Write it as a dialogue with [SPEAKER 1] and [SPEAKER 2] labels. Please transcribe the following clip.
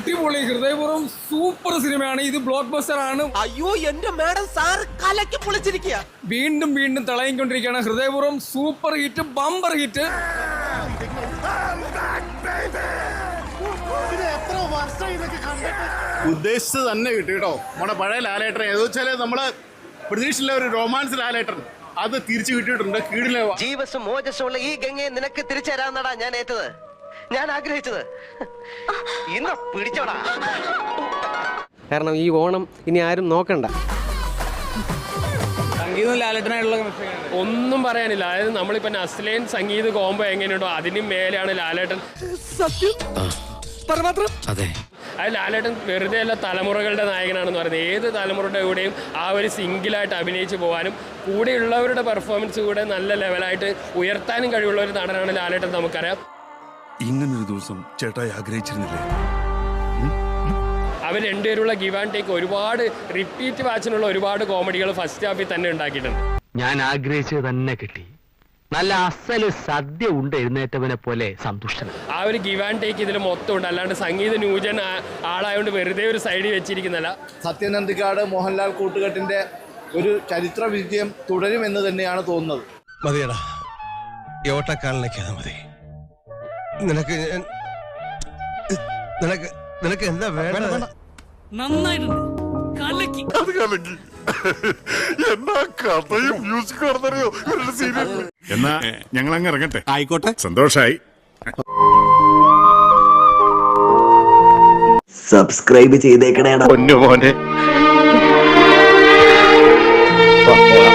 [SPEAKER 1] അടിപൊളി ഹൃദയപൂർവ്വം സൂപ്പർ സിനിമയാണ്. ഇത് ബ്ലോക്ക് ബസ്റ്റർ ആണ്.
[SPEAKER 2] അയ്യോ എന്റെ മാഡം സാർ കലക്കി പൊളിച്ചിരിക്കുക.
[SPEAKER 1] വീണ്ടും വീണ്ടും തിളങ്ങിക്കൊണ്ടിരിക്കുകയാണ്. ഹൃദയപൂർവ്വം സൂപ്പർ ഹിറ്റ്, ബമ്പർ ഹിറ്റ്.
[SPEAKER 3] ഉദ്ദേശിച്ചത് തന്നെ കിട്ടി കേട്ടോ. നമ്മുടെ പഴയ ലാലേട്ടൻ ഏదో വെച്ചാൽ നമ്മള് പ്രതീക്ഷിച്ചില്ല, ഒരു റൊമാൻസ് ലാലേട്ടൻ അത് തിരിച്ചു കിട്ടിയിട്ടുണ്ട്. കീഴിലെ
[SPEAKER 2] ജീവസും മോജസ്സുമുള്ള ഈ ഗംഗയെ നിനക്ക് തിരിച്ചു തരാമെന്നടാ ഞാൻ ഏറ്റത്, ഞാൻ ആഗ്രഹിച്ചത്. ഇന്ന് പിടിച്ചോടാ.
[SPEAKER 4] കാരണം ഈ ഓണം ഇനി ആരും നോക്കണ്ട.
[SPEAKER 1] സംഗീതം ലാലേട്ടനായിട്ടുള്ള
[SPEAKER 5] ഒന്നും പറയാനില്ല. അതായത് നമ്മളിപ്പോ നസ്ലൈൻ സംഗീത കോംബോ എങ്ങനെയുണ്ടോ അതിനും മേലെയാണ് ലാലേട്ടൻ.
[SPEAKER 4] അതെ,
[SPEAKER 5] അത് ലാലേട്ടൻ വെറുതെ അല്ല തലമുറകളുടെ നായകനാണെന്ന് പറയുന്നത്. ഏത് തലമുറയുടെ കൂടെയും ആ ഒരു സിംഗിളായിട്ട് അഭിനയിച്ച് പോകാനും കൂടെയുള്ളവരുടെ പെർഫോമൻസ് കൂടെ നല്ല ലെവലായിട്ട് ഉയർത്താനും കഴിവുള്ള ഒരു നടനാണ് ലാലേട്ടൻ. നമുക്കറിയാം
[SPEAKER 6] ഇങ്ങനൊരു ദിവസം ചേട്ടായി ആഗ്രഹിച്ചിരുന്നില്ലേ?
[SPEAKER 5] അവർ രണ്ടുപേരുള്ള ഗിവ് ആൻഡ് ടേക്ക് ഒരുപാട് റിപ്പീറ്റ് വാച്ചിനുള്ള ഒരുപാട് കോമഡികൾ ഫസ്റ്റ് ഹാഫിൽ തന്നെ ഉണ്ടാക്കിയിട്ടുണ്ട്.
[SPEAKER 7] ഞാൻ ആഗ്രഹിച്ചത് തന്നെ കിട്ടി. നല്ല അസല് സദ്യ ഉണ്ട് എഴുന്നേറ്റവനെ പോലെ സന്തുഷ്ടൻ.
[SPEAKER 5] ആ ഒരു ഗിവ് ആൻഡ് ടേക്ക് ഇതിൽ മൊത്തം ഉണ്ട്. അല്ലാണ്ട് സംഗീത ന്യൂജൻ ആളായതുകൊണ്ട് വെറുതെ ഒരു സൈഡിൽ വെച്ചിരിക്കുന്നല്ല.
[SPEAKER 3] സത്യനന്ദിക്കാട് മോഹൻലാൽ കൂട്ടുകെട്ടിന്റെ ഒരു ചരിത്ര വിജയം തുടരുമെന്ന് തന്നെയാണ് തോന്നുന്നത്.
[SPEAKER 6] മതിയടാ, ഈ ഓട്ടക്കാലിനൊക്കെ മതി. നിനക്ക് നിനക്ക് നിനക്ക് എന്താ വേണ്ട?
[SPEAKER 1] നന്നായിട്ടുണ്ട്.
[SPEAKER 6] എന്നാ കഥയും മ്യൂസിക് നടന്നറിയോ സീരിയൽ. എന്നാ ഞങ്ങൾ അങ്ങ് ഇറങ്ങട്ടെ.
[SPEAKER 3] ആയിക്കോട്ടെ,
[SPEAKER 6] സന്തോഷായി.
[SPEAKER 8] സബ്സ്ക്രൈബ് ചെയ്തേക്കണേടാ
[SPEAKER 6] പൊന്നു മോനെ.